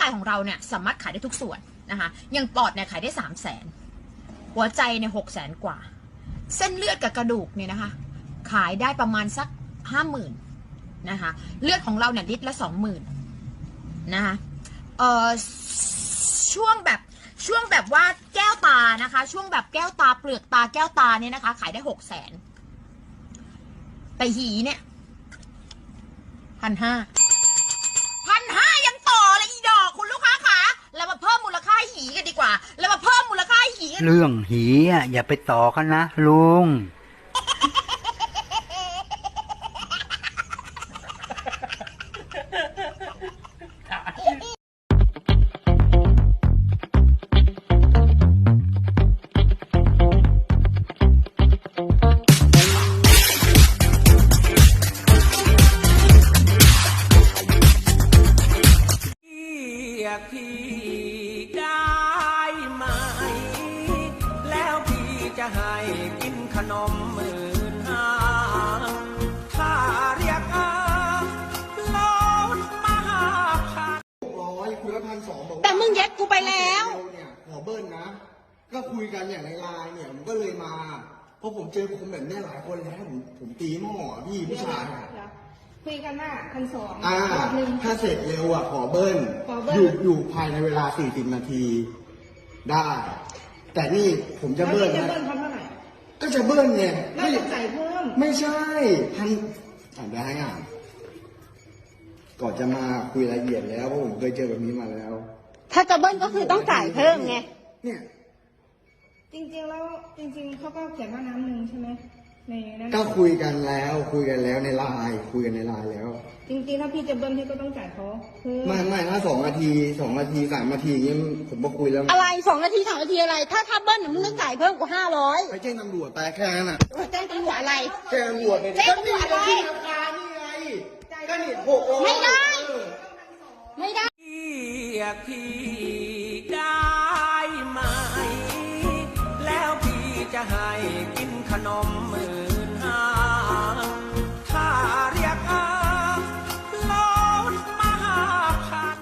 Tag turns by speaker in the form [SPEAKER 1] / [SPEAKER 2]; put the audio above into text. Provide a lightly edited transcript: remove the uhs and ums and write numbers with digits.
[SPEAKER 1] ของเราเนี่ยสามารถขายได้ทุกส่วนนะคะอย่างปอดเนี่ยขายได้300,000หัวใจเนี่ย600,000 กว่าเส้นเลือดกับกระดูกเนี่ยนะคะขายได้ประมาณสัก50,000นะคะเลือดของเราเนี่ยลิตรละ20,000นะคะช่วงแบบว่าแก้วตานะคะช่วงแบบแก้วตาเปลือกตาแก้วตาเนี่ยนะคะขายได้600,000แต่หีเนี่ย1,500ยังต่อเลยอีดอกคุณลูกค้าคะเรามาเพิ่มมูลค่าหีกันดีกว่าเรามาเพิ่มมูลค่าหีกัน
[SPEAKER 2] เรื่องหีอ่ะอย่าไปต่อกันนะลุง
[SPEAKER 3] พี่ได้ไหมแล้วพี่จะให้กินขนม15,000ถ้าเรียกลดมา
[SPEAKER 4] 600คุยละ1,200บอก
[SPEAKER 1] แต่มึงยัดกูไปแล้ว
[SPEAKER 4] เนี่ยขอเบิ้ลนะก็คุยกันอย่างในไลน์เนี่ยผมก็เลยมาเพราะผมเจอคนแบบนี้หลายคนแล้วผมตีหม้อพี่ผู้ชาย
[SPEAKER 5] คุยกันว่า1,200
[SPEAKER 4] รอบนึงถ้าเสร็จเร็วอ่ะขอเบิ้ลอยู่ภายในเวลา40 นาทีได้แต่นี่ผมจะเบิ้ลนะก็จะเบิ้ลเนี่ย
[SPEAKER 5] ไม่ต้องใส่เพิ่ม
[SPEAKER 4] ไม่ใช่ได้อ่ะก่อนจะมาคุยรายละเอียดแล้วเพราะผมเคยเจอแบบนี้มาแล้ว
[SPEAKER 1] ถ้าจะเบิ้ลก็คือต้องจ่ายเพิ่มไง
[SPEAKER 4] เนี่ย
[SPEAKER 5] จริงๆแล้วจริงๆเขาก็เขียนว่าน้ำหนึ่งใช่ไหมในนั้น
[SPEAKER 4] ก็คุยกันแล้วในไลน์คุยกันในไลน์แล้ว
[SPEAKER 5] จริงๆถ้าพี่จะเบิ้ลพี่ก็ต้องจ่ายเขา
[SPEAKER 4] ไม่ถ้า2 นาที2 นาที3 นาทีเงี้ยผมก็คุยแล้ว
[SPEAKER 1] อะไร2 นาที3 นาทีอะไรถ้าเบิ้ลมึงต้องจ่ายเพิ่มกว่า500
[SPEAKER 4] ไปแจ้งตำรวจแต่แค่นั้นอ่ะ
[SPEAKER 1] แจ้งตำรวจอะไร
[SPEAKER 4] แจ้งตำรวจเลย
[SPEAKER 1] แจ้งตำรวจอะไร
[SPEAKER 4] ราคานี่ไงก็นี่600
[SPEAKER 1] ไม่ได้
[SPEAKER 3] พี่ได้ไหมแล้วพี่จะให้กินขนม